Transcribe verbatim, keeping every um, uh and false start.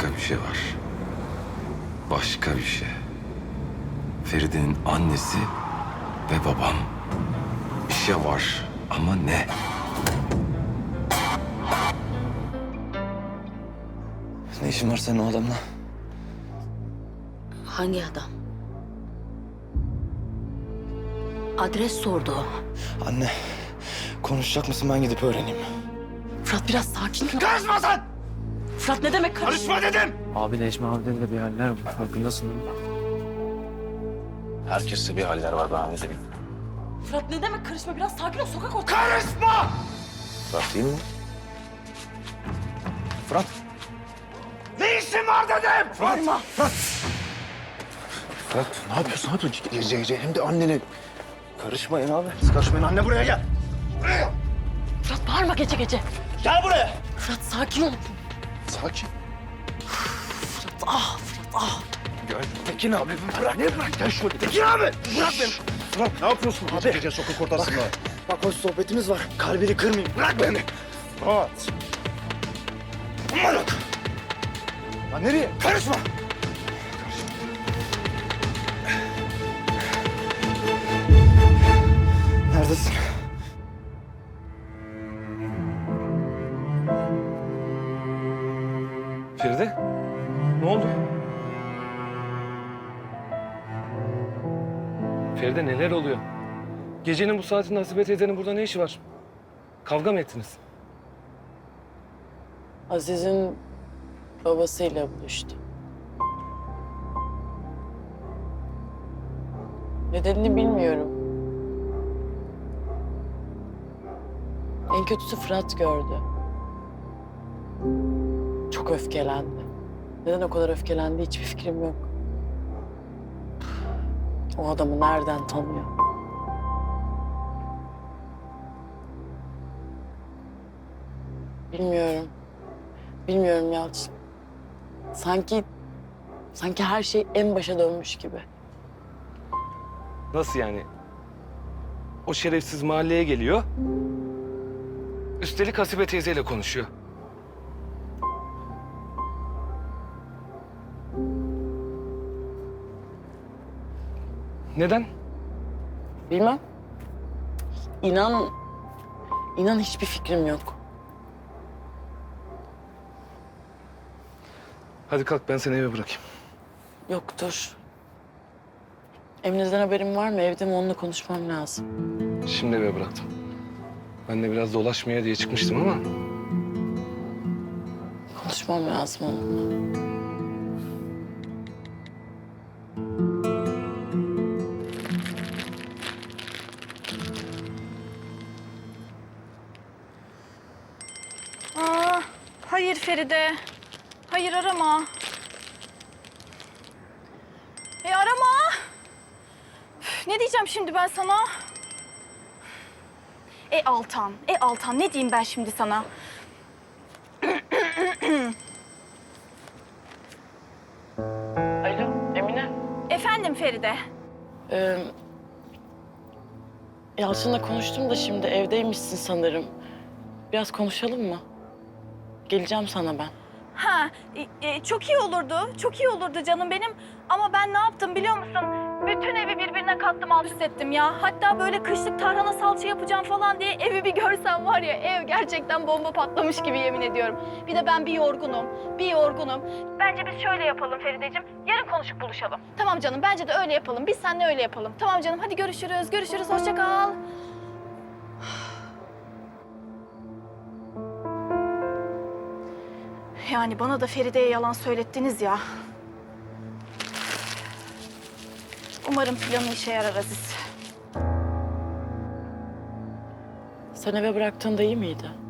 başka bir şey var. Başka bir şey. Feride'nin annesi ve babam. Bir şey var ama ne? Ne işin var senin o adamla? Hangi adam? Adres sordu o. Anne, konuşacak mısın, ben gidip öğreneyim. Fırat biraz sakin ol. Karışma sen! Fırat ne demek karış? Karışma dedim! Abi Necmi abide de bir haller var. Farkındasın değil mi? Herkeste bir haller var, ben de bileyim. Fırat ne demek karışma? Biraz sakin ol. Sokak ortamı. Karışma! Fırat değil mi? Fırat! Ne işin var dedim! Fırat! Bağırma. Fırat! Fırat, ne yapıyorsun? Ne yapıyorsun? Gece gece hem de annene. Karışmayın abi. Siz karışmayın. Anne buraya gel. Buraya. Fırat bağırma gece gece. Gel buraya. Fırat sakin ol. Sakin. Fırat ah Fırat ah. Gel. Tekin abi bırak. Ne bırak? Gel şöyle. Tekin abi. Bırak beni. Fırat ne yapıyorsun? Abi. Gece gece sokak ortasında. Bak, bak hoş sohbetimiz var. Kalbini kırmayayım. Bırak beni. Fırat. Aman bak. Lan nereye? Karışma. Neredesin? Feride, ne oldu? Feride neler oluyor? Gecenin bu saatinde Hasibe teyzenin burada ne işi var? Kavga mı ettiniz? Aziz'in babasıyla buluştu. Nedenini bilmiyorum. En kötüsü Fırat gördü. Çok öfkelendi. Neden o kadar öfkelendi hiçbir fikrim yok. O adamı nereden tanıyor? Bilmiyorum. Bilmiyorum Yalçın. Sanki, sanki her şey en başa dönmüş gibi. Nasıl yani? O şerefsiz mahalleye geliyor. Üstelik Hasibe teyzeyle konuşuyor. Neden? Bilmem. İnan, inan hiçbir fikrim yok. Hadi kalk ben seni eve bırakayım. Yoktur. Emine'den haberim var mı? Evde mi? Onunla konuşmam lazım. Şimdi eve bıraktım. Ben de biraz dolaşmaya diye çıkmıştım ama... Konuşmam lazım onunla. Aa, hayır Feride. Hayır arama. E arama. Üf, ne diyeceğim şimdi ben sana? E Altan, e Altan ne diyeyim ben şimdi sana? Alo, Emine. Efendim Feride. Ee, Yalçın'la konuştum da şimdi evdeymişsin sanırım. Biraz konuşalım mı? Geleceğim sana ben. Ha, e, e, çok iyi olurdu, çok iyi olurdu canım benim. Ama ben ne yaptım biliyor musun? Bütün evi birbirine kattım, alt üst ettim ya. Hatta böyle kışlık tarhana salça yapacağım falan diye evi bir görsen var ya, ev gerçekten bomba patlamış gibi yemin ediyorum. Bir de ben bir yorgunum, bir yorgunum. Bence biz şöyle yapalım Ferideciğim, yarın konuşup buluşalım. Tamam canım, bence de öyle yapalım. Biz seninle öyle yapalım. Tamam canım, hadi görüşürüz, görüşürüz, hoşça kal. Yani bana da Feride'ye yalan söylettiniz ya. Umarım planı işe yarar Aziz. Sen eve bıraktığında iyi miydi?